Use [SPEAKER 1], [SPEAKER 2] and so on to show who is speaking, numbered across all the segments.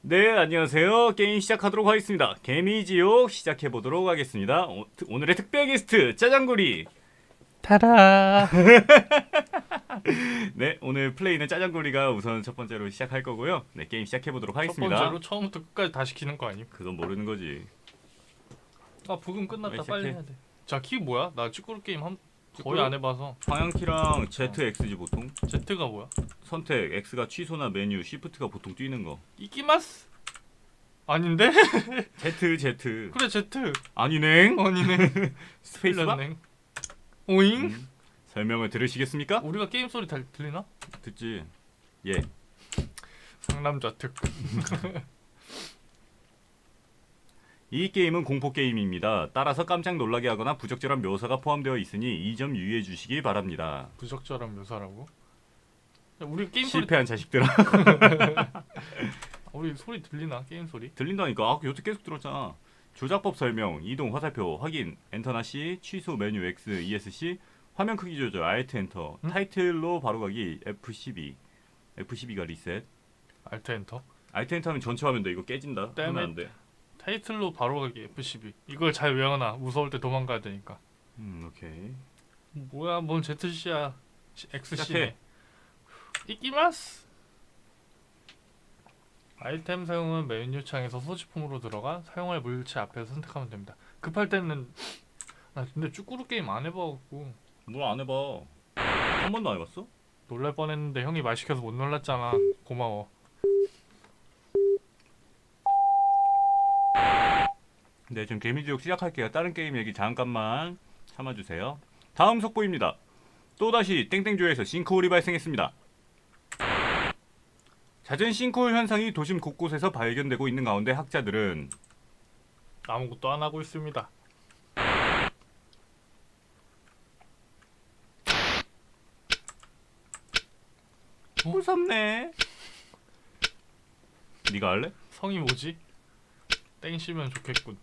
[SPEAKER 1] 네, 안녕하세요. 게임 시작하도록 하겠습니다. 개미지옥 시작해보도록 하겠습니다. 오늘의 특별 게스트 짜장구리.
[SPEAKER 2] 타라.
[SPEAKER 1] 네, 오늘 플레이는 짜장구리가 우선 첫 번째로 시작할 거고요. 네, 게임 시작해보도록
[SPEAKER 2] 첫
[SPEAKER 1] 하겠습니다.
[SPEAKER 2] 번째로 처음부터 끝까지 다 시키는 거 아님?
[SPEAKER 1] 그건 모르는 거지.
[SPEAKER 2] 아 부금
[SPEAKER 1] 왜
[SPEAKER 2] 끝났다.
[SPEAKER 1] 시작해?
[SPEAKER 2] 빨리 해야 돼. 자 키 뭐야? 나 축구로 게임 거의 안 해봐서.
[SPEAKER 1] 방향키랑 ZX지 보통.
[SPEAKER 2] Z가 뭐야?
[SPEAKER 1] 선택, X가 취소나 메뉴, Shift가 보통 뛰는 거.
[SPEAKER 2] 이끼마스? 아닌데?
[SPEAKER 1] Z.
[SPEAKER 2] 그래 Z.
[SPEAKER 1] 아니네.
[SPEAKER 2] 아니네.
[SPEAKER 1] 스페이스바?
[SPEAKER 2] 틀렸네. 오잉?
[SPEAKER 1] 설명을 들으시겠습니까?
[SPEAKER 2] 우리가 게임 소리 들리나?
[SPEAKER 1] 듣지. 예.
[SPEAKER 2] 상남자 특.
[SPEAKER 1] 이 게임은 공포 게임입니다. 따라서 깜짝 놀라게 하거나 부적절한 묘사가 포함되어 있으니 이 점 유의해 주시기 바랍니다.
[SPEAKER 2] 부적절한 묘사라고? 야, 우리 게임 소리
[SPEAKER 1] 실패한 자식들아.
[SPEAKER 2] 우리 소리 들리나? 게임 소리?
[SPEAKER 1] 들린다니까. 아, 여태 계속 들었잖아. 조작법 설명, 이동, 화살표, 확인, 엔터나 C, 취소 메뉴 X, ESC, 화면 크기 조절, Alt 엔터,
[SPEAKER 2] 응?
[SPEAKER 1] 타이틀로 바로가기, F12. F12가 리셋.
[SPEAKER 2] 알트 엔터.
[SPEAKER 1] Alt 엔터하면 전체 화면도 이거 깨진다.
[SPEAKER 2] 땜에.
[SPEAKER 1] 하면 안 돼.
[SPEAKER 2] 타이틀로 바로 가기 F12. 이걸 잘 외워놔. 무서울 때 도망가야 되니까.
[SPEAKER 1] 오케이.
[SPEAKER 2] 뭐야, 뭔 ZC야. XC네.
[SPEAKER 1] 시작해.
[SPEAKER 2] 이끼마스. 아이템 사용은 메뉴 창에서 소지품으로 들어가 사용할 물체 앞에서 선택하면 됩니다. 급할 때는 나 근데 쭈꾸루 게임 안 해봐갖고
[SPEAKER 1] 뭘 안 해봐. 한 번도 안 해봤어?
[SPEAKER 2] 놀랄 뻔했는데 형이 말 시켜서 못 놀랐잖아. 고마워.
[SPEAKER 1] 네, 지금 개미지옥 시작할게요. 다른 게임 얘기 잠깐만 참아주세요. 다음 속보입니다. 또다시 땡땡조에서 싱크홀이 발생했습니다. 잦은 싱크홀 현상이 도심 곳곳에서 발견되고 있는 가운데 학자들은
[SPEAKER 2] 아무것도 안 하고 있습니다.
[SPEAKER 1] 무섭네. 네가 할래?
[SPEAKER 2] 성이 뭐지? 땡시면 좋겠군.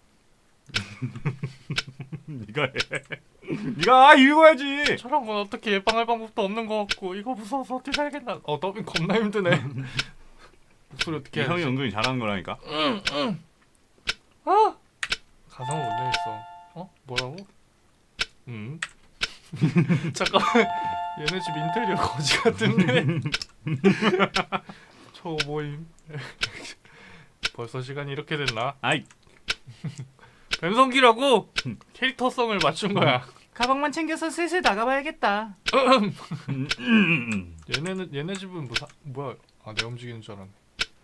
[SPEAKER 1] 네가 해. 네가 읽어야지.
[SPEAKER 2] 저런 건 어떻게 예방할 방법도 없는 것 같고 이거 무서워서 어떻게 살겠나. 더빙 겁나 힘드네. 목소리 어떻게 해야
[SPEAKER 1] 형이
[SPEAKER 2] 되지?
[SPEAKER 1] 은근히 잘하는 거라니까.
[SPEAKER 2] 아! 가사를 못 내겠어. 뭐라고? 잠깐만. 얘네 집 인테리어 거지 같은데. 저 모임. 벌써 시간이 이렇게 됐나?
[SPEAKER 1] 아이,
[SPEAKER 2] 뱀성기라고 캐릭터성을 맞춘 거야.
[SPEAKER 1] 가방만 챙겨서 슬슬 나가봐야겠다.
[SPEAKER 2] 얘네 집은 뭐야? 아, 내가 움직이는 줄 알았네.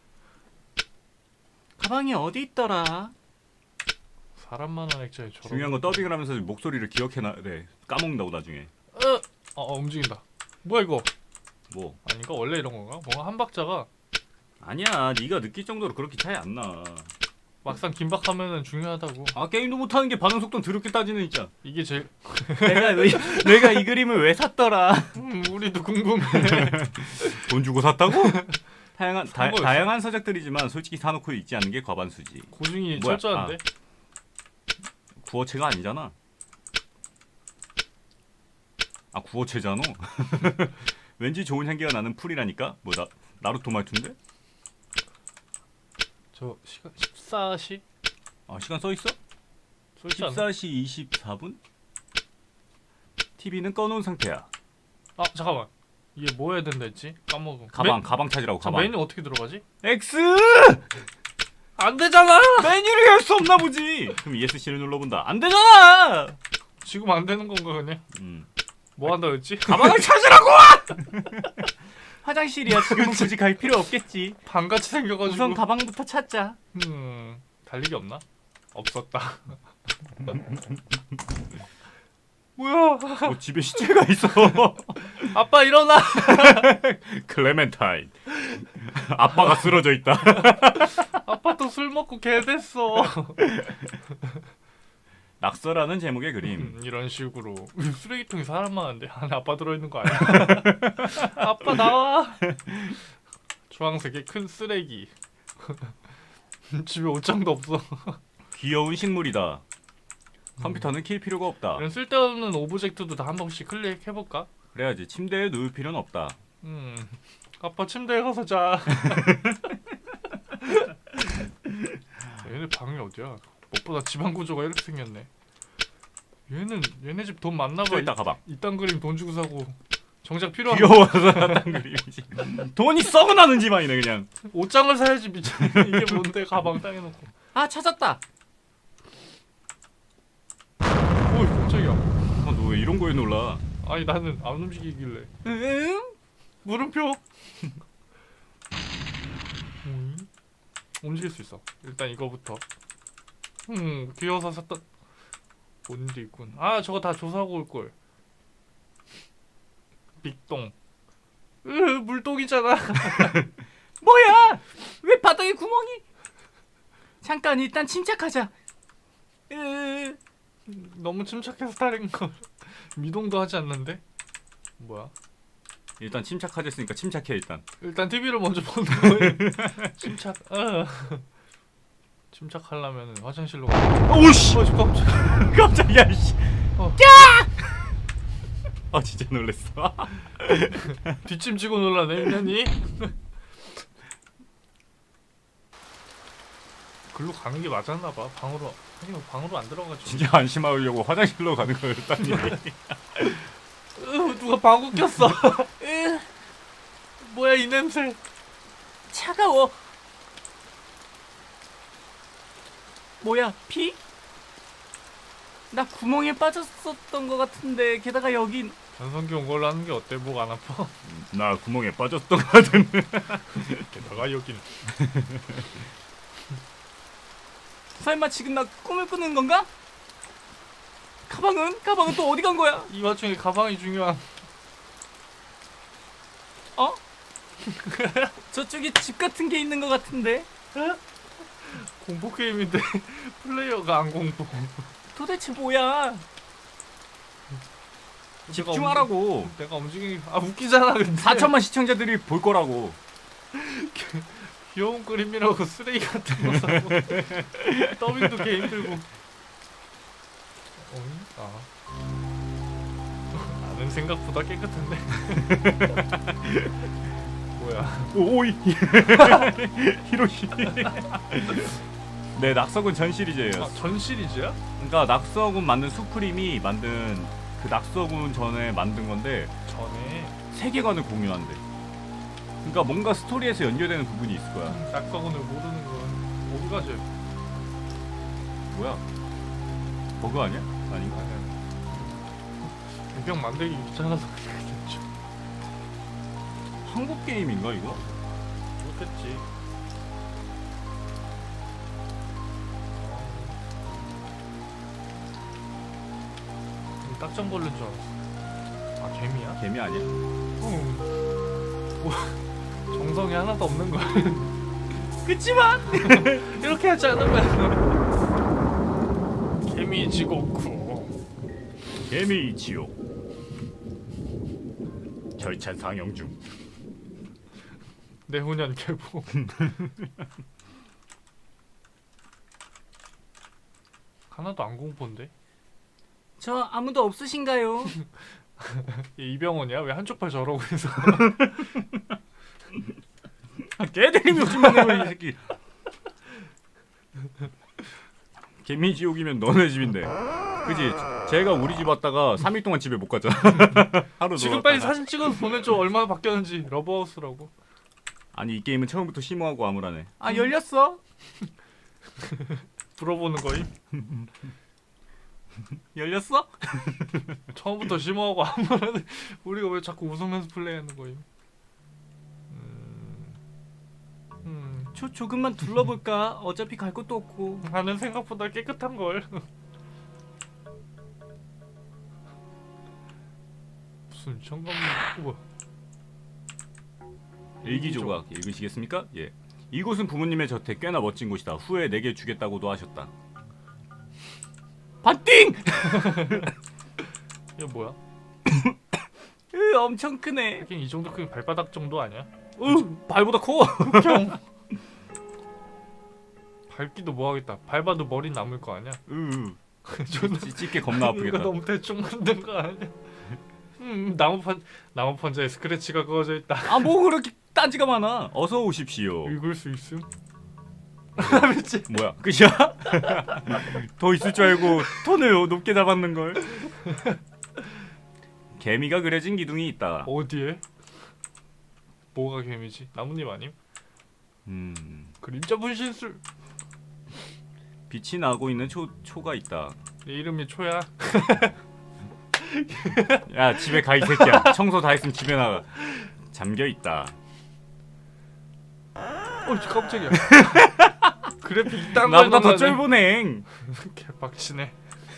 [SPEAKER 1] 가방이 어디 있더라?
[SPEAKER 2] 사람만한 액자에 저런.
[SPEAKER 1] 중요한 건 더빙을 하면서 목소리를 기억해놔야 돼. 까먹는다고 나중에.
[SPEAKER 2] 움직인다. 뭐야 이거?
[SPEAKER 1] 뭐?
[SPEAKER 2] 아닌가? 원래 이런 건가? 뭔가 한 박자가
[SPEAKER 1] 아니야, 네가 느낄 정도로 그렇게 차이 안 나.
[SPEAKER 2] 막상 긴박하면은 중요하다고.
[SPEAKER 1] 아, 게임도 못하는 게 반응 속도 더럽게 따지는 진짜.
[SPEAKER 2] 이게 제일.
[SPEAKER 1] 내가 이 그림을 왜 샀더라?
[SPEAKER 2] 우리도 궁금해.
[SPEAKER 1] 돈 주고 샀다고?
[SPEAKER 2] 산 거였어.
[SPEAKER 1] 다양한 서적들이지만 솔직히 사놓고 있지 않는 게 과반수지.
[SPEAKER 2] 고증이
[SPEAKER 1] 뭐야?
[SPEAKER 2] 철저한데.
[SPEAKER 1] 구어체가 아니잖아. 아, 구어체잖아. 왠지 좋은 향기가 나는 풀이라니까. 뭐 나루토 말투인데?
[SPEAKER 2] 저 시간 14시?
[SPEAKER 1] 아, 시간 써 있어?
[SPEAKER 2] 쏠지 않나?
[SPEAKER 1] 14시 24분? TV는 꺼놓은 상태야.
[SPEAKER 2] 아 잠깐만. 이게 뭐 해야 된다 했지? 까먹어.
[SPEAKER 1] 가방 찾으라고. 가방.
[SPEAKER 2] 메뉴 어떻게 들어가지?
[SPEAKER 1] X!
[SPEAKER 2] 안 되잖아.
[SPEAKER 1] 메뉴를 열 수 없나 보지. 그럼 ESC를 눌러본다. 안 되잖아.
[SPEAKER 2] 지금 안 되는 건가 그냥? 뭐 한다 했지?
[SPEAKER 1] 가방을 찾으라고! 화장실이야. 지금은 굳이 갈 필요 없겠지.
[SPEAKER 2] 방같이 생겨가지고.
[SPEAKER 1] 우선 가방부터 찾자.
[SPEAKER 2] 달리기 없나? 없었다. 뭐야?
[SPEAKER 1] 뭐 집에 시체가 있어.
[SPEAKER 2] 아빠 일어나.
[SPEAKER 1] 클레멘타인. 아빠가 쓰러져 있다.
[SPEAKER 2] 아빠 또 술 먹고 개 됐어.
[SPEAKER 1] 낙서라는 제목의 그림.
[SPEAKER 2] 이런 식으로 쓰레기통에 사람 많은데 안에 아빠 들어있는 거 아니야? 아빠 나와. 주황색의 큰 쓰레기. 집에 옷장도 없어.
[SPEAKER 1] 귀여운 식물이다. 컴퓨터는 킬 필요가 없다.
[SPEAKER 2] 이런 쓸데없는 오브젝트도 다 한 번씩 클릭해볼까?
[SPEAKER 1] 그래야지. 침대에 누울 필요는 없다.
[SPEAKER 2] 아빠 침대에 가서 자. 방이 어디야? 무엇보다 집안 구조가 이렇게 생겼네. 얘네 집 돈 많나 봐.
[SPEAKER 1] 저 있다 가방.
[SPEAKER 2] 이딴 그림 돈 주고 사고 정작 필요한
[SPEAKER 1] 귀여워서 샀단 그림이지. 돈이 썩어나는 집안이네 그냥.
[SPEAKER 2] 옷장을 사야지 미친. 이게 뭔데 가방 땅에 놓고.
[SPEAKER 1] 아 찾았다.
[SPEAKER 2] 오이 깜짝이야.
[SPEAKER 1] 아, 너 왜 이런 거에 놀라?
[SPEAKER 2] 아니 나는 안 움직이길래.
[SPEAKER 1] 응?
[SPEAKER 2] 물음표. 움직일 수 있어. 일단 이거부터. 귀여워서 샀던 뭔 일이 있군. 아 저거 다 조사하고 올 걸. 빅똥. 물똥이잖아.
[SPEAKER 1] 뭐야? 왜 바닥에 구멍이? 잠깐 일단 침착하자.
[SPEAKER 2] 너무 침착해서 다른 걸. 미동도 하지 않는데? 뭐야?
[SPEAKER 1] 일단 침착하졌으니까 침착해 일단.
[SPEAKER 2] 일단 TV를 먼저 보는 거예요. 침착. 침착하려면 화장실로 가.
[SPEAKER 1] 오씨!
[SPEAKER 2] 깜짝.
[SPEAKER 1] 깜짝이야 씨.
[SPEAKER 2] 어.
[SPEAKER 1] 아 진짜 놀랬어.
[SPEAKER 2] 뒷짐지고 놀라네 인연이. 글로 가는 게 맞았나 봐. 방으로. 아니 방으로 안 들어가지.
[SPEAKER 1] 진짜 안심하려고 화장실로 가는 거였다니.
[SPEAKER 2] 누가 방구 꼈어. 뭐야 이 냄새.
[SPEAKER 1] 차가워. 뭐야 피? 나 구멍에 빠졌었던 것 같은데 게다가 여긴
[SPEAKER 2] 전성기 온 걸로 하는 게 어때? 목 안 아파?
[SPEAKER 1] 나 구멍에 빠졌던 것 같은데.
[SPEAKER 2] 게다가 여긴
[SPEAKER 1] 설마 지금 나 꿈을 꾸는 건가? 가방은? 가방은 또 어디 간 거야?
[SPEAKER 2] 이 와중에 가방이 중요한.
[SPEAKER 1] 어? 저쪽에 집 같은 게 있는 것 같은데
[SPEAKER 2] 공포 게임인데 플레이어가 안 공포.
[SPEAKER 1] 도대체 뭐야? 집중하라고.
[SPEAKER 2] 내가 움직이기 웃기잖아 근데.
[SPEAKER 1] 4천만 시청자들이 볼 거라고.
[SPEAKER 2] 귀여운 그림이라고 쓰레기 같은 거 사고 더빙도 개 힘들고. 나는 생각보다 깨끗한데. 뭐야?
[SPEAKER 1] 오이. 히로시. 네, 낙서군 전 시리즈예요.
[SPEAKER 2] 전 시리즈야?
[SPEAKER 1] 그러니까 낙서군 만든 수프림이 만든 그 낙서군 전에 만든 건데
[SPEAKER 2] 전에
[SPEAKER 1] 세계관을 공유한대. 그러니까 뭔가 스토리에서 연결되는 부분이 있을 거야.
[SPEAKER 2] 낙서군을 모르는 건 어디 가지?
[SPEAKER 1] 뭐야? 버그 아니야? 아닌가?
[SPEAKER 2] 배경 만들기 귀찮아서 그랬죠.
[SPEAKER 1] 한국 게임인가 이거?
[SPEAKER 2] 그렇겠지. 딱정 걸린 줄 알았어. 아 개미야?
[SPEAKER 1] 개미 아니야?
[SPEAKER 2] 정성이 하나도 없는 거야.
[SPEAKER 1] 그치만
[SPEAKER 2] 이렇게 하지 않으면 개미 지옥구.
[SPEAKER 1] 개미 지옥 절찬 상영 중.
[SPEAKER 2] 내후년 개봉. 하나도 안 공포인데?
[SPEAKER 1] 저 아무도 없으신가요?
[SPEAKER 2] 얘 이병헌이야? 왜 한쪽 팔 저러고 있어?
[SPEAKER 1] 개들이 욕심만 내고 이 새끼. 개미 지옥이면 너네 집인데. 그지? 제가 우리 집 왔다가 3일 동안 집에 못 가잖아. 하루
[SPEAKER 2] 지금
[SPEAKER 1] 놀았다가.
[SPEAKER 2] 빨리 사진 찍어서 보내줘. 얼마나 바뀌었는지. 러브하우스라고.
[SPEAKER 1] 아니 이 게임은 처음부터 심오하고 암울하네.
[SPEAKER 3] 아 열렸어?
[SPEAKER 2] 불어보는 거임?
[SPEAKER 3] 열렸어?
[SPEAKER 2] 처음부터 심오하고 아무런. 우리가 왜 자꾸 웃으면서 플레이하는 거임?
[SPEAKER 3] 조금만 둘러볼까? 어차피 갈 곳도 없고.
[SPEAKER 2] 나는 생각보다 깨끗한 걸. 무슨 청감 뭐야?
[SPEAKER 1] 일기조각 읽으시겠습니까? 예. 이곳은 부모님의 저택 꽤나 멋진 곳이다. 후에 내게 주겠다고도 하셨다.
[SPEAKER 3] 반띵!
[SPEAKER 2] 이게 뭐야?
[SPEAKER 3] 엄청 크네.
[SPEAKER 2] 하긴 이 정도 크면 발바닥 정도 아니야?
[SPEAKER 1] 발보다 커.
[SPEAKER 2] 흑형. 밟기도 뭐하겠다. 밟아도 머리 남을 거 아니야? 존나
[SPEAKER 1] 찢게 겁나
[SPEAKER 2] 이거
[SPEAKER 1] 아프겠다.
[SPEAKER 2] 너무 대충 만든 거 아니야? 나무 판자에 스크래치가 그어져 있다.
[SPEAKER 3] 아 뭐 그렇게 딴지가 많아.
[SPEAKER 1] 어서 오십시오.
[SPEAKER 2] 읽을 수 있음? 미치.
[SPEAKER 1] 뭐야? 끝이야? 더 있을 줄 알고 톤을 높게 잡았는 걸. 개미가 그려진 기둥이 있다.
[SPEAKER 2] 어디에? 뭐가 개미지? 나뭇잎 아님? 그림자 분신술.
[SPEAKER 1] 빛이 나고 있는 초가 있다.
[SPEAKER 2] 내 이름이 초야.
[SPEAKER 1] 야 집에 가 이 새끼야. 청소 다 했으면 집에 나가. 잠겨 있다.
[SPEAKER 2] 깜짝이야. 그래픽 이딴
[SPEAKER 1] 나보다
[SPEAKER 2] 걸
[SPEAKER 1] 더 쫄보네.
[SPEAKER 2] 개빡치네.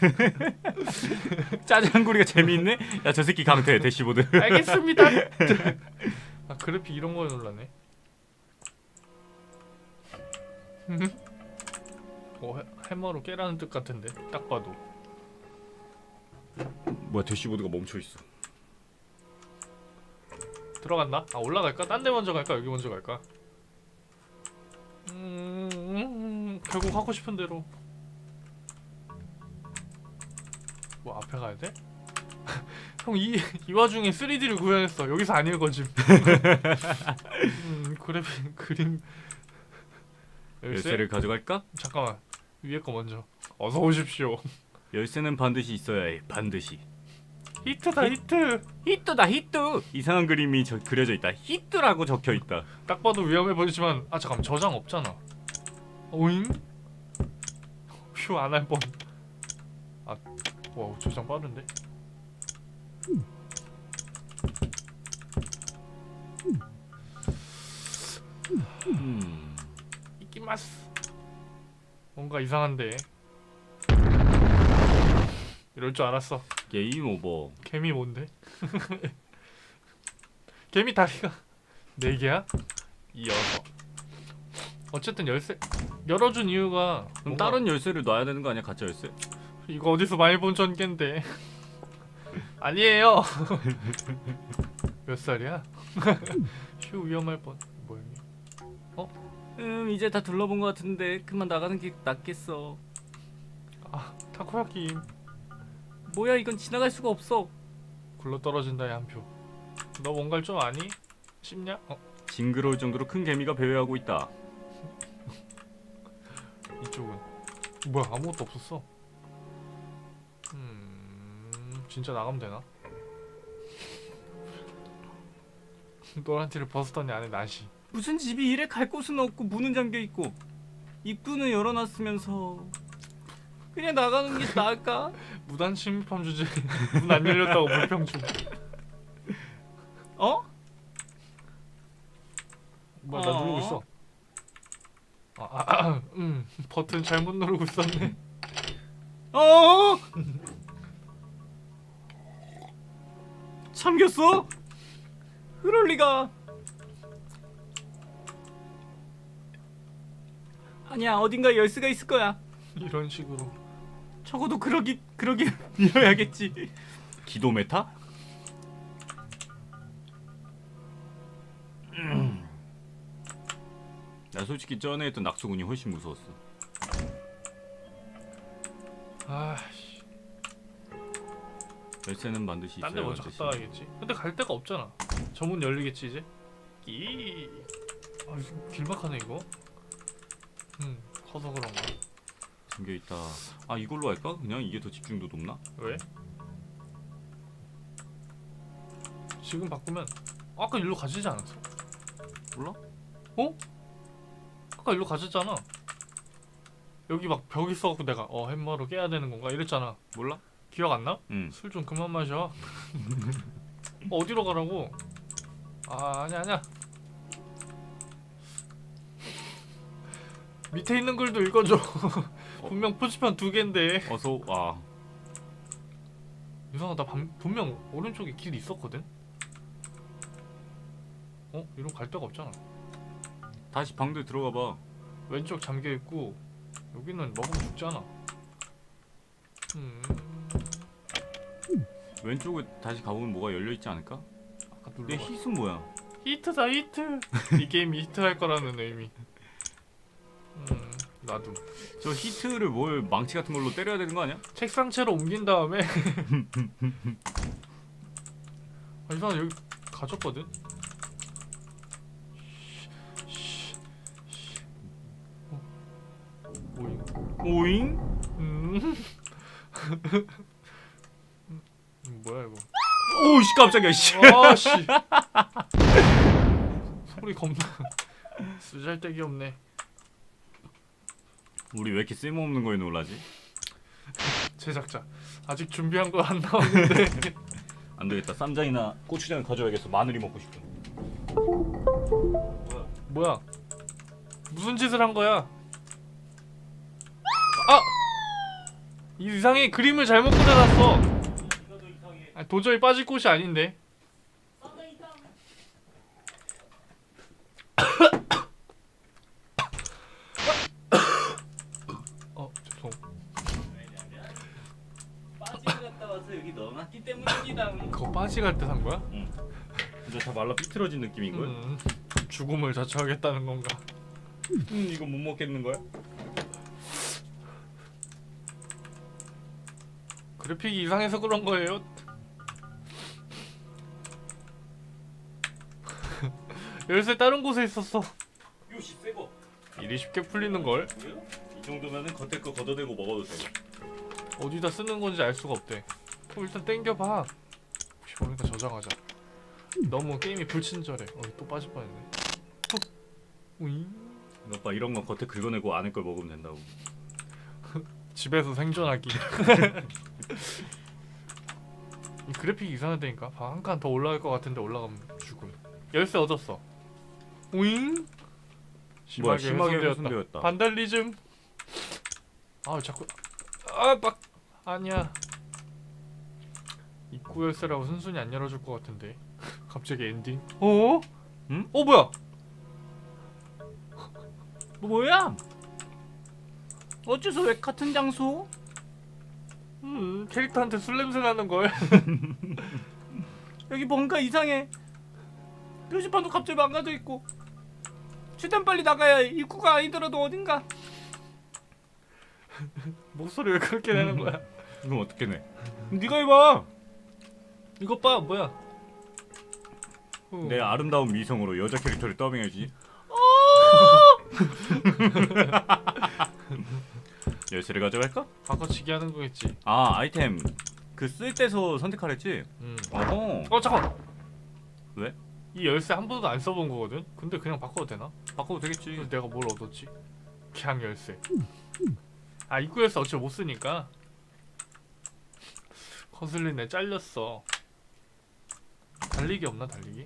[SPEAKER 1] 짜장구리가 재미있네. 야 저 새끼 강퇴 대시보드.
[SPEAKER 2] 알겠습니다. 아 그래픽 이런 거에 놀라네. 해머로 깨라는 뜻 같은데 딱 봐도.
[SPEAKER 1] 뭐야 대시보드가 멈춰 있어.
[SPEAKER 2] 들어간다? 아 올라갈까? 딴 데 먼저 갈까? 여기 먼저 갈까? 결국 하고 싶은 대로. 뭐 앞에 가야 돼? 형 이 와중에 3D를 구현했어. 여기서 안 읽어짐. 그래픽 그림
[SPEAKER 1] 열쇠를 가져갈까?
[SPEAKER 2] 잠깐만 위에 거 먼저. 어서 오십시오.
[SPEAKER 1] 열쇠는 반드시 있어야 해. 반드시.
[SPEAKER 2] 히트다 히트.
[SPEAKER 1] 히트다 히트. 이상한 그림이 그려져 있다. 히트라고 적혀 있다.
[SPEAKER 2] 딱 봐도 위험해 보이지만 아 잠깐 저장 없잖아. 오잉? 휴 안 할 뻔. 아 와우 저장 빠른데? 이끼마스. 뭔가 이상한데. 이럴 줄 알았어.
[SPEAKER 1] 게임 오버.
[SPEAKER 2] 개미 뭔데? 개미 다리가 4개야? 이어서. 어쨌든 열쇠 열어준 이유가
[SPEAKER 1] 그럼
[SPEAKER 2] 뭔가-
[SPEAKER 1] 다른 열쇠를 놔야 되는 거 아니야? 가짜 열쇠?
[SPEAKER 2] 이거 어디서 많이 본 전개인데. 아니에요. 몇 살이야? 휴 위험할 뻔. 뭐야?
[SPEAKER 1] 이제 다 둘러본 것 같은데 그만 나가는 게 낫겠어.
[SPEAKER 2] 아 타코야키.
[SPEAKER 1] 뭐야 이건 지나갈 수가 없어.
[SPEAKER 2] 굴러 떨어진다의 한 표. 너 뭔가를 좀 아니? 싶냐?
[SPEAKER 1] 징그러울 정도로 큰 개미가 배회하고 있다.
[SPEAKER 2] 이쪽은 뭐야 아무것도 없었어. 진짜 나가면 되나? 노란 티를 벗었더니 안에 나시.
[SPEAKER 1] 무슨 집이 이래 갈 곳은 없고 문은 잠겨 있고 입구는 열어놨으면서 그냥 나가는 게 나을까?
[SPEAKER 2] 무단 침입함 주제. 문 안 열렸다고 불평 중.
[SPEAKER 1] 어?
[SPEAKER 2] 뭐야 나 누르고 있어. 버튼 잘못 누르고 있었네.
[SPEAKER 1] 어? 잠겼어? 그럴 리가. 아니야 어딘가 열쇠가 있을 거야.
[SPEAKER 2] 이런 식으로.
[SPEAKER 1] 적어도 그러기 이어야겠지. 기도 메타? 나 솔직히 전에 했던 낙수군이 훨씬 무서웠어.
[SPEAKER 2] 아씨.
[SPEAKER 1] 열쇠는 반드시 있어야
[SPEAKER 2] 딴 데 먼저
[SPEAKER 1] 반드시.
[SPEAKER 2] 갔다 와야겠지. 근데 갈 데가 없잖아. 저 문 열리겠지 이제. 아 이거 길막하네 이거. 커서 그런가.
[SPEAKER 1] 잠겨 있다. 아 이걸로 할까? 그냥 이게 더 집중도 높나?
[SPEAKER 2] 왜? 지금 바꾸면 아까 일로 가지지 않았어?
[SPEAKER 1] 몰라?
[SPEAKER 2] 아까 일로 가졌잖아. 여기 막 벽 있어갖고 내가 햄머로 깨야 되는 건가 이랬잖아.
[SPEAKER 1] 몰라?
[SPEAKER 2] 기억 안 나?
[SPEAKER 1] 응.
[SPEAKER 2] 술 좀 그만 마셔. 어디로 가라고? 아 아니야. 밑에 있는 글도 읽어줘. 분명 표지판 2개인데.
[SPEAKER 1] 어서 와.
[SPEAKER 2] 이상하다. 분명 오른쪽에 길 있었거든. 이러고 갈 데가 없잖아.
[SPEAKER 1] 다시 방들 들어가 봐.
[SPEAKER 2] 왼쪽 잠겨 있고 여기는 먹으면 죽잖아.
[SPEAKER 1] 왼쪽에 다시 가보면 뭐가 열려 있지 않을까?
[SPEAKER 2] 아까
[SPEAKER 1] 근데
[SPEAKER 2] 눌러.
[SPEAKER 1] hit은 뭐야?
[SPEAKER 2] 히트다 히트. 이 게임이 히트할 거라는 의미. 나도.
[SPEAKER 1] 저 히트를 뭘 망치 같은 걸로 때려야 되는 거 아니야?
[SPEAKER 2] 책상채로 옮긴 다음에. 아 이상한 여기 가졌거든.
[SPEAKER 1] 오잉?
[SPEAKER 2] 음. 뭐야 이거?
[SPEAKER 1] 오씨 깜짝이야 씨.
[SPEAKER 2] 아씨. 소리 겁나. 쓰잘데기 없네.
[SPEAKER 1] 우리 왜 이렇게 쓸모없는 거에 놀라지?
[SPEAKER 2] 제작자 아직 준비한 거 안 나왔는데.
[SPEAKER 1] 안 되겠다. 쌈장이나 고추장을 가져야겠어. 마늘이 먹고 싶어.
[SPEAKER 2] 뭐야? 무슨 짓을 한 거야? 아! 이상해. 그림을 잘못 그려놨어. 아, 도저히 빠질 곳이 아닌데. 죄송.
[SPEAKER 1] 빠지 갔다 와서 여기 넣어놨기 때문입니다.
[SPEAKER 2] 그거 빠지 갈 때 산 거야?
[SPEAKER 1] 응. 이제 다 말라 삐뚤어진 느낌인 걸?
[SPEAKER 2] 죽음을 자처하겠다는 건가?
[SPEAKER 1] 이거 못 먹겠는 거야?
[SPEAKER 2] 그래픽이 이상해서 그런 거예요. 열쇠 다른 곳에 있었어.
[SPEAKER 1] 요시 새거.
[SPEAKER 2] 일이 쉽게 풀리는 걸.
[SPEAKER 1] 이 정도면은 겉에 거 걷어대고 먹어도 돼.
[SPEAKER 2] 어디다 쓰는 건지 알 수가 없대. 그럼 일단 땡겨봐. 혹시 모르니까 저장하자. 너무 게임이 불친절해. 또 빠질 뻔했네. 우잉.
[SPEAKER 1] 오빠 이런 거 겉에 긁어내고 안에 걸 먹으면 된다고.
[SPEAKER 2] 집에서 생존하기. 이 그래픽이 이상하다니까. 한 칸 더 올라갈 것 같은데 올라가면 죽음. 열쇠 얻었어. 우잉.
[SPEAKER 1] 뭐야, 심하게
[SPEAKER 2] 훼손되었다.
[SPEAKER 1] 훼손되었다.
[SPEAKER 2] 반달리즘. 아 자꾸 막 아니야. 입구 열쇠라고 순순히 안 열어줄 것 같은데. 갑자기 엔딩. 어?
[SPEAKER 1] 응?
[SPEAKER 2] 뭐야?
[SPEAKER 3] 뭐야? 어째서 왜 같은 장소?
[SPEAKER 2] 캐릭터한테 술 냄새 나는 걸.
[SPEAKER 3] 여기 뭔가 이상해. 표지판도 갑자기 망가져 있고. 최대한 빨리 나가야 해. 입구가 아니더라도 어딘가.
[SPEAKER 2] 목소리 왜 그렇게 내는 거야?
[SPEAKER 1] 그럼 어떻게 내? 네가 해봐.
[SPEAKER 2] 이것 봐 뭐야?
[SPEAKER 1] 내 아름다운 미성으로 여자 캐릭터를 더빙해주지. 열쇠를 가져갈까?
[SPEAKER 2] 바꿔치기 하는 거겠지.
[SPEAKER 1] 아 아이템 그 쓸 때서 선택하랬지? 어허.
[SPEAKER 2] 잠깐.
[SPEAKER 1] 왜?
[SPEAKER 2] 이 열쇠 한 번도 안 써본 거거든. 근데 그냥 바꿔도 되나?
[SPEAKER 1] 바꿔도 되겠지.
[SPEAKER 2] 그래서 내가 뭘 얻었지? 그냥 열쇠. 아 입구 열쇠 어차피 못 쓰니까. 거슬리네. 잘렸어. 달리기 없나 달리기?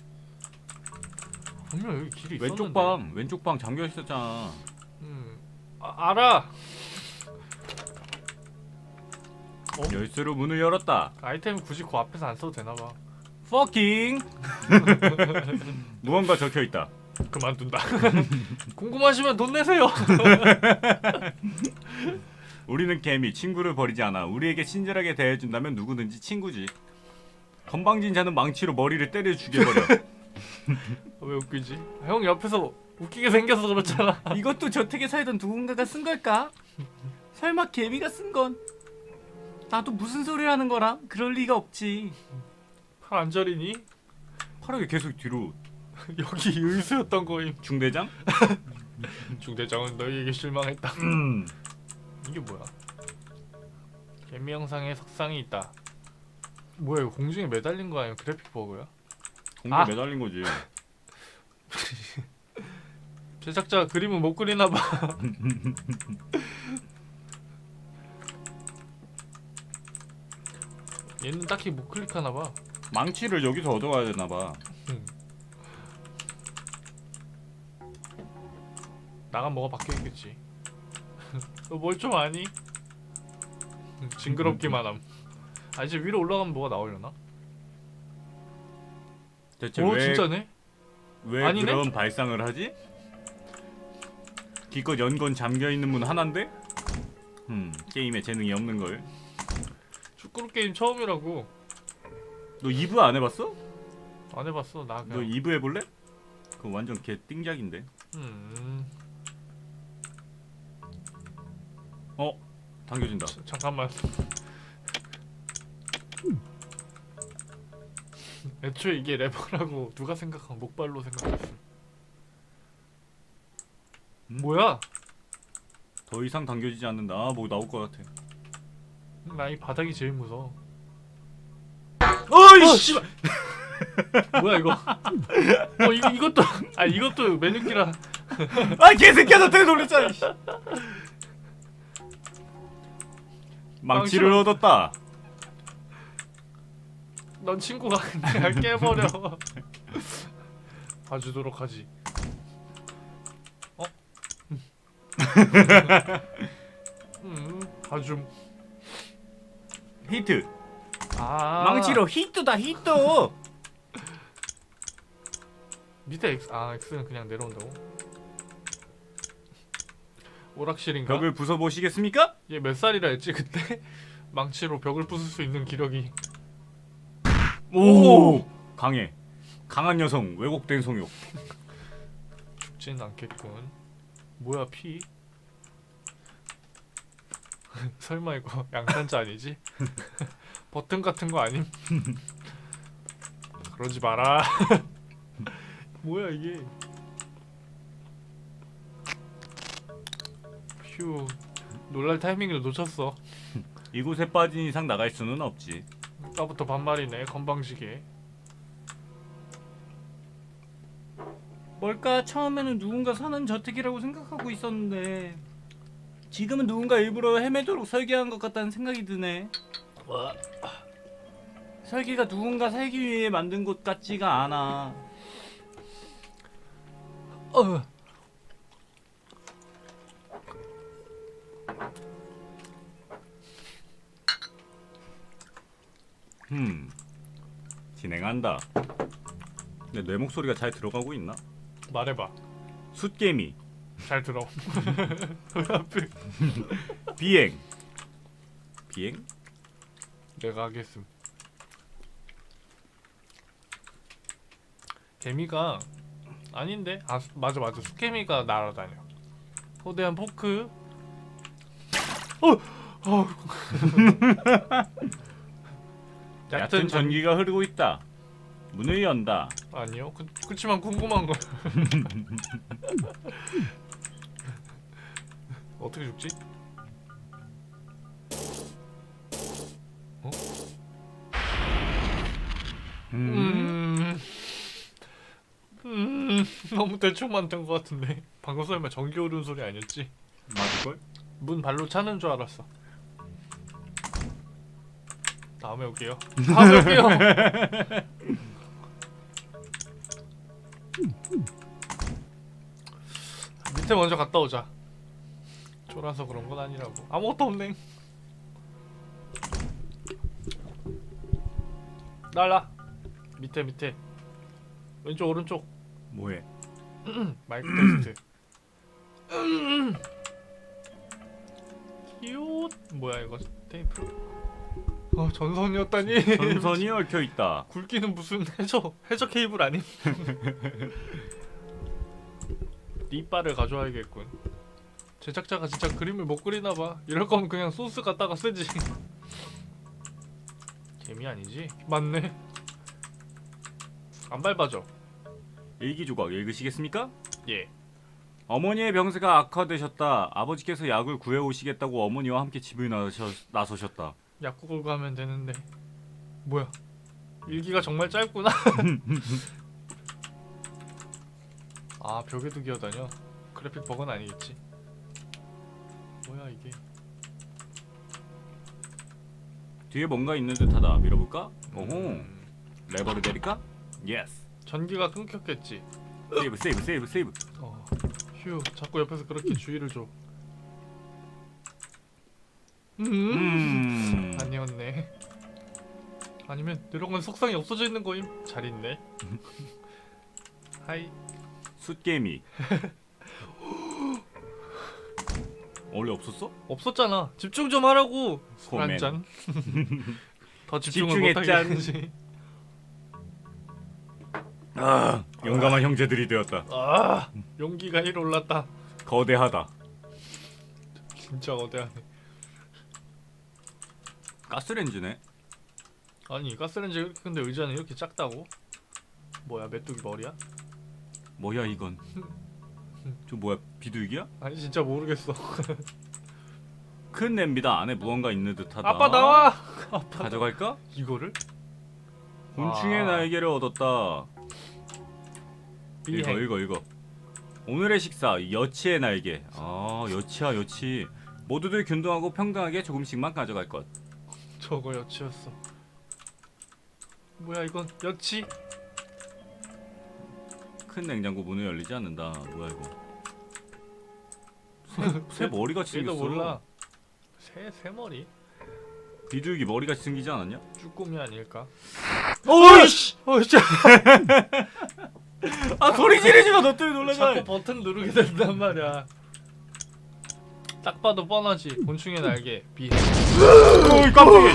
[SPEAKER 2] 분명 여기 길이 있었는데.
[SPEAKER 1] 왼쪽 방 잠겨 있었잖아.
[SPEAKER 2] 알아.
[SPEAKER 1] 열쇠로 문을 열었다.
[SPEAKER 2] 아이템 굳이 그 앞에서 안 써도 되나 봐.
[SPEAKER 1] 퍼킹. 무언가 적혀 있다.
[SPEAKER 2] 그만둔다. 궁금하시면 돈 내세요.
[SPEAKER 1] 우리는 개미 친구를 버리지 않아. 우리에게 친절하게 대해준다면 누구든지 친구지. 건방진 자는 망치로 머리를 때려 죽여버려.
[SPEAKER 2] 왜 웃기지? 형 옆에서 웃기게 생겨서 그렇잖아.
[SPEAKER 3] 이것도 저택에 살던 누군가가 쓴 걸까? 설마 개미가 쓴 건? 나도 무슨 소리를 하는 거라? 그럴 리가 없지.
[SPEAKER 2] 팔 안 저리니?
[SPEAKER 1] 파랗게 계속 뒤로.
[SPEAKER 2] 여기 의수였던 거임.
[SPEAKER 1] 중대장?
[SPEAKER 2] 중대장은 너희에게 실망했다. 이게 뭐야? 개미 영상에 석상이 있다. 뭐야 이거 공중에 매달린 거 아니야? 그래픽 버그야?
[SPEAKER 1] 공중에 매달린 거지.
[SPEAKER 2] 제작자 그림은 못 그리나 봐. 얘는 딱히 못 클릭하나 봐.
[SPEAKER 1] 망치를 여기서 얻어가야 되나 봐.
[SPEAKER 2] 나간 뭐가 바뀌어 있겠지. 너 뭘 좀 아니? 징그럽기만 함. 아 이제 위로 올라가면 뭐가 나오려나?
[SPEAKER 1] 대체
[SPEAKER 2] 오 진짜네?
[SPEAKER 1] 왜
[SPEAKER 2] 아니네?
[SPEAKER 1] 그런 발상을 하지? 기껏 연건 잠겨있는 문 하나인데? 게임에 재능이 없는 걸.
[SPEAKER 2] 축구로 게임 처음이라고.
[SPEAKER 1] 너 2부 안 해봤어?
[SPEAKER 2] 안 해봤어 나
[SPEAKER 1] 너
[SPEAKER 2] 그냥.
[SPEAKER 1] 2부 해볼래? 그거 완전 개 띵작인데. 당겨진다.
[SPEAKER 2] 잠깐만. 애초에 이게 래퍼라고 누가 생각한 목발로 생각했어. 뭐야?
[SPEAKER 1] 더 이상 당겨지지 않는다. 아, 뭐 나올 것 같아.
[SPEAKER 2] 나 이 바닥이 제일 무서워.
[SPEAKER 1] 어이 씨발.
[SPEAKER 2] 뭐야 이거? 이것도 이것도 메뉴키라.
[SPEAKER 1] 아 개새끼야 나 때문에 놀랬잖아. 이씨. 망치를 얻었다.
[SPEAKER 2] 넌 친구가 그냥 깨버려. 봐주도록 하지. 어? 봐줌.
[SPEAKER 1] 히트.
[SPEAKER 2] 아
[SPEAKER 3] 망치로 히트다 히트.
[SPEAKER 2] 밑에 X는 그냥 내려온다고? 오락실인가?
[SPEAKER 1] 벽을 부숴 보시겠습니까?
[SPEAKER 2] 얘 몇 살이라 했지 그때? 망치로 벽을 부술 수 있는 기력이.
[SPEAKER 1] 오 강해. 강한 여성 왜곡된 성욕.
[SPEAKER 2] 죽진 않겠군. 뭐야 피? 설마 이거 양산자 아니지? 버튼 같은 거 아님? 그러지 마라. 뭐야 이게? 휴, 놀랄 타이밍을 놓쳤어.
[SPEAKER 1] 이곳에 빠진 이상 나갈 수는 없지.
[SPEAKER 2] 아까부터 반말이네 건방지게.
[SPEAKER 3] 뭘까? 처음에는 누군가 사는 저택이라고 생각하고 있었는데 지금은 누군가 일부러 헤매도록 설계한 것 같다는 생각이 드네. 설계가 누군가 살기 위해 만든 곳 같지가 않아.
[SPEAKER 1] 진행한다. 근데 내 목소리가 잘 들어가고 있나?
[SPEAKER 2] 말해봐.
[SPEAKER 1] 숫개미.
[SPEAKER 2] 잘 들어.
[SPEAKER 1] 비행. 비행?
[SPEAKER 2] 내가 하겠음. 개미가 아닌데? 맞아 수개미가 날아다녀. 거대한 포크.
[SPEAKER 1] 얕은 전기가 흐르고 있다. 문을 연다.
[SPEAKER 2] 아니요. 그치만 궁금한 거. 어떻게 죽지? 어? 너무 대충 만든 것 같은데. 방금 설마 전기 오르는 소리 아니었지?
[SPEAKER 1] 맞을걸?
[SPEAKER 2] 문 발로 차는 줄 알았어. 다음에 올게요. 다음에 올게요. 밑에 먼저 갔다 오자. 쫄아서 그런 건 아니라고. 아무것도 없네. 날라. 밑에. 왼쪽 오른쪽.
[SPEAKER 1] 뭐해?
[SPEAKER 2] 마이크 테스트. 키옷. 뭐야 이거 테이프. 전선이었다니.
[SPEAKER 1] 전선이 얽혀 있다.
[SPEAKER 2] 굵기는 무슨 해저 케이블 아님? 립바를 가져와야겠군. 제작자가 진짜 그림을 못 그리나봐. 이럴 거면 그냥 소스 갖다가 쓰지. 개미 아니지? 맞네. 안 밟아져.
[SPEAKER 1] 일기 조각 읽으시겠습니까?
[SPEAKER 2] 예.
[SPEAKER 1] 어머니의 병세가 악화되셨다. 아버지께서 약을 구해오시겠다고 어머니와 함께 집을 나서셨다.
[SPEAKER 2] 약국을 가면 되는데. 뭐야? 일기가 정말 짧구나. 아 벽에도 기어다녀. 그래픽 버그는 아니겠지. 뭐야 이게.
[SPEAKER 1] 뒤에 뭔가 있는 듯하다. 밀어볼까? 오호. 레버를 내릴까? 예스.
[SPEAKER 2] 전기가 끊겼겠지.
[SPEAKER 1] 세이브.
[SPEAKER 2] 휴, 자꾸 옆에서 그렇게 주의를 줘. 아니었네. 아니면 드래곤 속성이 없어져 있는 거임. 잘 있네. 하이.
[SPEAKER 1] 숫개미. 원래 없었어?
[SPEAKER 2] 없었잖아. 집중 좀 하라고. 술
[SPEAKER 1] 코멘.
[SPEAKER 2] 한 잔. 더 집중을
[SPEAKER 1] 집중했짠.
[SPEAKER 2] 못하겠지.
[SPEAKER 1] 아, 용감한 형제들이 되었다.
[SPEAKER 2] 아, 용기가 1 올랐다.
[SPEAKER 1] 거대하다.
[SPEAKER 2] 진짜 거대하네.
[SPEAKER 1] 가스렌지네.
[SPEAKER 2] 아니 가스렌지 근데 의자는 이렇게 작다고? 뭐야 메뚜기 머리야?
[SPEAKER 1] 뭐야 이건? 저 뭐야 비둘기야?
[SPEAKER 2] 아니 진짜 모르겠어.
[SPEAKER 1] 큰 냄비다. 안에 무언가 있는 듯하다.
[SPEAKER 2] 아빠 나와. 아빠
[SPEAKER 1] 가져갈까?
[SPEAKER 2] 이거를?
[SPEAKER 1] 곤충의
[SPEAKER 2] 아.
[SPEAKER 1] 날개를 얻었다.
[SPEAKER 2] 비행.
[SPEAKER 1] 읽어. 오늘의 식사 여치의 날개. 아 여치야 여치. 모두들 균등하고 평등하게 조금씩만 가져갈 것.
[SPEAKER 2] 저거 여치였어. 뭐야 이건 여치?
[SPEAKER 1] 큰 냉장고 문을 열리지 않는다. 뭐야 이거? 새 머리같이
[SPEAKER 2] 얘도
[SPEAKER 1] 생겼어.
[SPEAKER 2] 몰라. 새 머리?
[SPEAKER 1] 비둘기 머리같이 생기지 않았냐?
[SPEAKER 2] 쭈꾸미 아닐까?
[SPEAKER 1] 어이씨!
[SPEAKER 2] 어이씨!
[SPEAKER 1] 아 소리 지르지 마. 너 때문에 놀라잖아.
[SPEAKER 2] 자꾸 버튼 누르게 된단 말이야. 딱 봐도 뻔하지. 곤충의 날개 비행.
[SPEAKER 1] 어이 깜짝이야.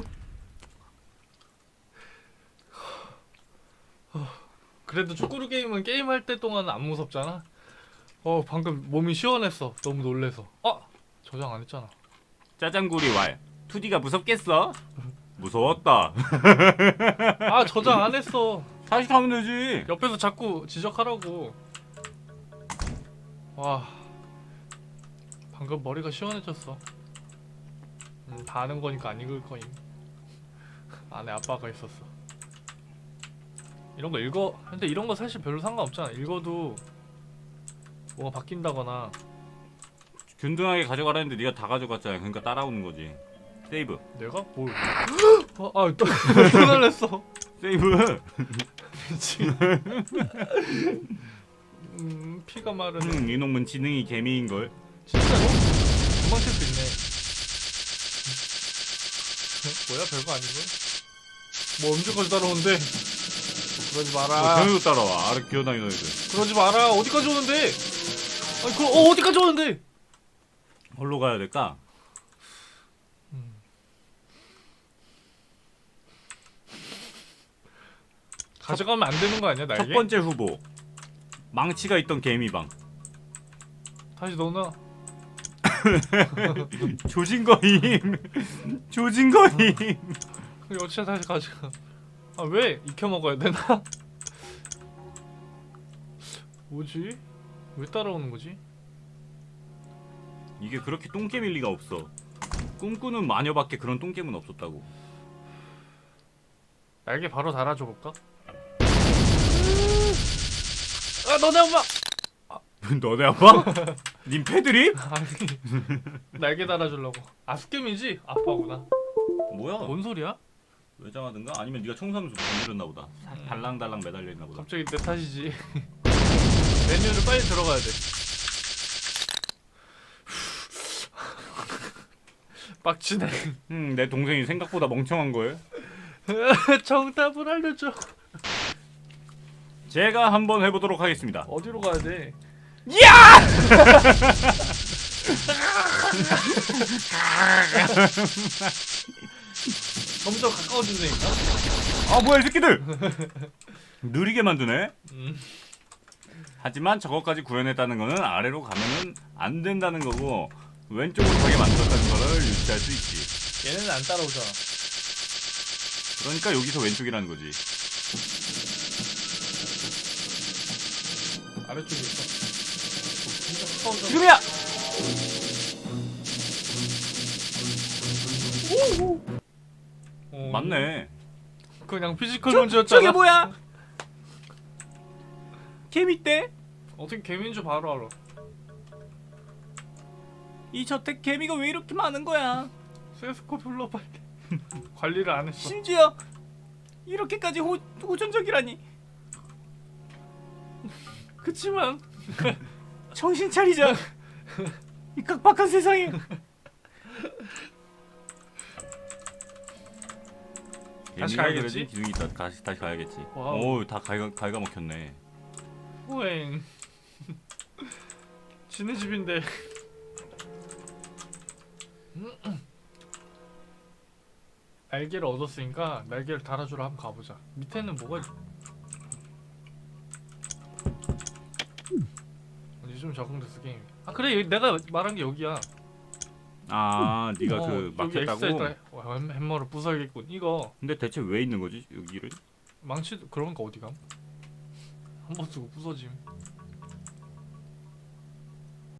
[SPEAKER 2] 그래도 축구루 게임은 게임할 때 동안 안 무섭잖아. 방금 몸이 시원했어. 너무 놀래서. 저장 안 했잖아.
[SPEAKER 1] 짜장구리 왈. 2D가 무섭겠어? 무서웠다.
[SPEAKER 2] 저장 안 했어.
[SPEAKER 1] 다시 가면 되지.
[SPEAKER 2] 옆에서 자꾸 지적하라고. 와, 방금 머리가 시원해졌어. 다 아는 거니까 안 읽을 거임. 안에 아빠가 있었어. 이런 거 읽어. 근데 이런 거 사실 별로 상관없잖아. 읽어도 뭐가 바뀐다거나.
[SPEAKER 1] 균등하게 가져가라는데 네가 다 가져갔잖아. 그러니까 따라오는 거지. 세이브.
[SPEAKER 2] 내가 뭘? 또 놀랐어.
[SPEAKER 1] 세이브.
[SPEAKER 2] 미친. 피가 마르네.
[SPEAKER 1] 이놈은 지능이 개미인 걸.
[SPEAKER 2] 진짜로? 도망칠 수 있네. 뭐야 별거 아니고? 뭐 언제까지 따라오는데? 그러지 마라.
[SPEAKER 1] 걔네도 따라와. 아래 기어다니는 애들.
[SPEAKER 2] 그러지 마라. 어디까지 오는데? 아니 그 어디까지 오는데?
[SPEAKER 1] 어디로 가야 될까?
[SPEAKER 2] 가져가면 안 되는 거 아니야 날개?
[SPEAKER 1] 첫 번째 후보. 망치가 있던 개미방.
[SPEAKER 2] 다시 넣어놔.
[SPEAKER 1] 조진 거임. 조진 거임.
[SPEAKER 2] 여치야 다시 가져가. 왜 익혀 먹어야 되나? 뭐지? 왜 따라오는 거지?
[SPEAKER 1] 이게 그렇게 똥개밀 리가 없어. 꿈꾸는 마녀밖에 그런 똥개는 없었다고.
[SPEAKER 2] 날개 바로 달아줘 볼까? 너네 엄마!
[SPEAKER 1] 너네 아빠? 님 패드립?
[SPEAKER 2] 아니 날개 달아주려고. 스캠이지? 아빠구나.
[SPEAKER 1] 뭐야?
[SPEAKER 2] 뭔 소리야?
[SPEAKER 1] 외장하든가? 아니면 네가 청소하면서 건드렸나 보다. 달랑달랑 매달려 있나 보다.
[SPEAKER 2] 갑자기 내 탓이지. 메뉴를 빨리 들어가야 돼. 빡치네.
[SPEAKER 1] 내 동생이 생각보다 멍청한 거예요.
[SPEAKER 2] 정답을 알려줘.
[SPEAKER 1] 제가 한번 해보도록 하겠습니다.
[SPEAKER 2] 어디로 가야 돼? 점점 가까워진다니까?
[SPEAKER 1] 아 뭐야 이 새끼들! 느리게 만드네.
[SPEAKER 2] 음.
[SPEAKER 1] 하지만 저것까지 구현했다는 거는 아래로 가면은 안 된다는 거고 왼쪽으로 가게 만들었다는 거를 유추할 수 있지.
[SPEAKER 2] 얘네는 안 따라오잖아.
[SPEAKER 1] 그러니까 여기서 왼쪽이라는 거지.
[SPEAKER 2] 아래쪽에 있어. 진짜 가까워져.
[SPEAKER 1] 지금이야! 맞네.
[SPEAKER 2] 그냥 피지컬 문제였잖아.
[SPEAKER 3] 저게 뭐야? 개미떼?
[SPEAKER 2] 어떻게 개미인 줄 바로 알아.
[SPEAKER 3] 이 저택 개미가 왜 이렇게 많은 거야?
[SPEAKER 2] 세스코 불러 빨리. 관리를 안 했어.
[SPEAKER 3] 심지어 이렇게까지 호전적이라니.
[SPEAKER 2] 그치만
[SPEAKER 3] 정신 차리자. 이 각박한 세상에.
[SPEAKER 2] 다시
[SPEAKER 1] 얘네가
[SPEAKER 2] 가야겠지?
[SPEAKER 1] 그래도 기둥이 있다. 다시 가야겠지.
[SPEAKER 2] 와우.
[SPEAKER 1] 오, 다 갈가 먹혔네.
[SPEAKER 2] 후행. 지네 집인데. 날개를 얻었으니까 날개를 달아주러 한번 가보자. 밑에는 뭐가 있... 이제 좀 적응됐어 게임. 그래 내가 말한 게 여기야.
[SPEAKER 1] 아, 네가 그
[SPEAKER 2] 여기
[SPEAKER 1] 막혔다고?
[SPEAKER 2] 엑스트라 햄머를 부숴야겠군. 이거
[SPEAKER 1] 근데 대체 왜 있는 거지 여기를?
[SPEAKER 2] 망치 그런 거 어디 감? 한 번 쓰고 부서짐.